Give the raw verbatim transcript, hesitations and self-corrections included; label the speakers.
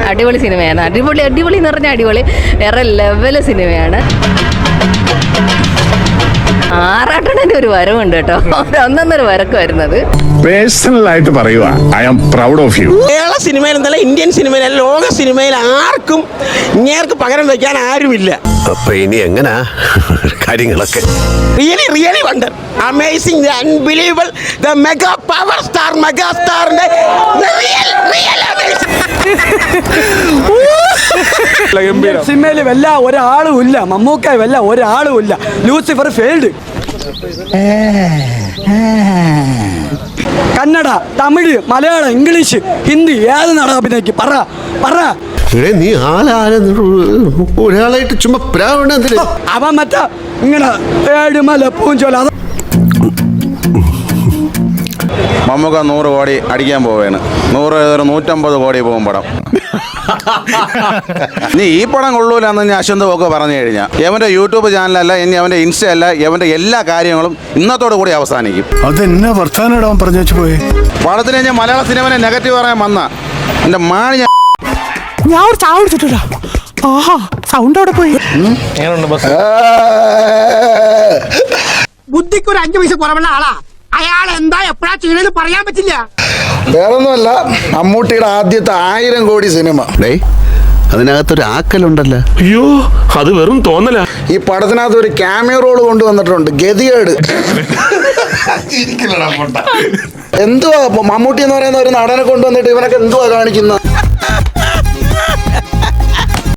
Speaker 1: അടിപൊളി സിനിമയാണ്. അടിപൊളി അടിപൊളി എന്ന് പറഞ്ഞാൽ അടിപൊളി വേറെ ലെവല് സിനിമയാണ്. ആറാട്ടണന്റെ ഒരു വരവുണ്ട് കേട്ടോ, ഒന്നൊന്നൊരു വരക്ക് വരുന്നത്.
Speaker 2: പേഴ്സണൽ ആയിട്ട് പറയുക, I am proud of you.
Speaker 3: Kerala സിനിമയിൽ എന്നല്ല, ഇന്ത്യൻ സിനിമയിൽ, ലോക സിനിമയിൽ ആർക്കും ഇങ്ങേർക്ക് പകരം വയ്ക്കാൻ ആരുമില്ല.
Speaker 4: അപ്പൊ ഇനി എങ്ങനാ കാര്യങ്ങളൊക്കെ?
Speaker 3: Really really wonder, amazing, unbelievable, the mega power star, mega സ്റ്റാറിന്റെ റിയൽ റിയൽ
Speaker 5: സിനിമയിൽ വല്ല ഒരാളും ഇല്ല, മമ്മൂക്ക വല്ല ഒരാളും ഇല്ല. ലൂസിഫർ ഫെയിൽഡ്. കന്നഡ, തമിഴ്, മലയാളം, ഇംഗ്ലീഷ്, ഹിന്ദി ഏത് നടൻ അഭിനയിക്കും? പറ പറ.
Speaker 4: നീ ആളാരെ ഒരാളായിട്ട് ചുമ്മാ പ്രാവണ
Speaker 5: അവൻ മറ്റ ഇങ്ങനെ ഏഴുമല പൂഞ്ചോല.
Speaker 6: മമ്മൂക്ക നൂറ് കോടി അടിക്കാൻ പോവുകയാണ്. നൂറ് നൂറ്റമ്പത് കോടി പോകും പടം. നീ ഈ പടം കൊള്ളൂലെന്ന് ഞാൻ അശ്വന്ത് ഒക്കെ പറഞ്ഞു കഴിഞ്ഞാൽ എവൻ്റെ യൂട്യൂബ് ചാനലല്ല, ഇനി അവൻ്റെ ഇൻസ്റ്റ അല്ല, എവൻ്റെ എല്ലാ കാര്യങ്ങളും ഇന്നത്തോടു കൂടി അവസാനിക്കും.
Speaker 2: അതെന്നാ വർത്താനം പറഞ്ഞു വെച്ച് പോയി.
Speaker 6: പടത്തിന് ഞാൻ മലയാള സിനിമനെ നെഗറ്റീവ് പറയാൻ വന്ന എൻ്റെ മാണി ഞാൻ
Speaker 7: ഞാൻ ഒരു ചായ കുടിച്ചിട്ടില്ല. ആഹാ, സൗണ്ട് അവിടെ പോയി.
Speaker 3: ബുദ്ധിക്ക് ഒരു അഞ്ചു പൈസ കുറവുള്ള ആളാ അയാൾ. എന്താ എപ്പോഴാ ചെയ്യണെന്ന് പറയാൻ പറ്റില്ല.
Speaker 8: വേറൊന്നുമല്ല, മമ്മൂട്ടിയുടെ ആദ്യത്തെ ആയിരം കോടി സിനിമ.
Speaker 4: അതിനകത്തൊരു ആക്കലുണ്ടല്ലോ.
Speaker 9: അയ്യോ, അത് വെറും തോന്നല.
Speaker 8: ഈ പടത്തിനകത്ത് ഒരു ക്യാമിയോ റോൾ കൊണ്ടുവന്നിട്ടുണ്ട്, ഗതികേട്. എന്തുവാ മമ്മൂട്ടി എന്ന് പറയുന്ന ഒരു നടനെ കൊണ്ടുവന്നിട്ട് ഇവനൊക്കെ എന്തുവാ കാണിക്കുന്നത്?